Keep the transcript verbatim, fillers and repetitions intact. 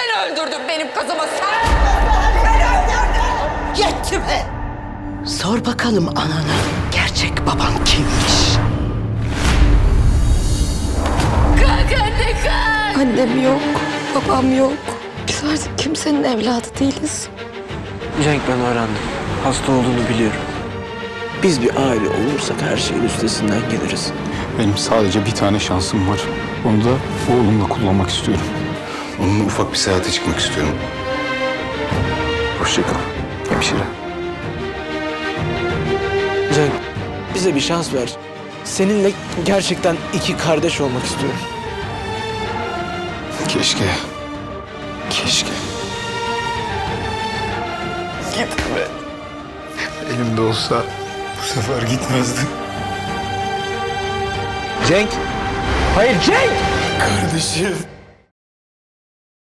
Sen öldürdün benim kızımı, sen! Sen öldürdün! Yetti be! Sor bakalım anana, gerçek baban kimmiş? Kalk anne kalk! Annem yok, babam yok. Biz artık kimsenin evladı değiliz. Cenk, ben öğrendim. Hasta olduğunu biliyorum. Biz bir aile olursak her şeyin üstesinden geliriz. Benim sadece bir tane şansım var. Onu da oğlumla kullanmak istiyorum. Onunla ufak bir seyahate çıkmak istiyorum. Hoşça kal hemşire. Cenk, bize bir şans ver. Seninle gerçekten iki kardeş olmak istiyorum. Keşke. Keşke. Gitme. Elimde olsa bu sefer gitmezdi. Cenk! Hayır Cenk! Kardeşim.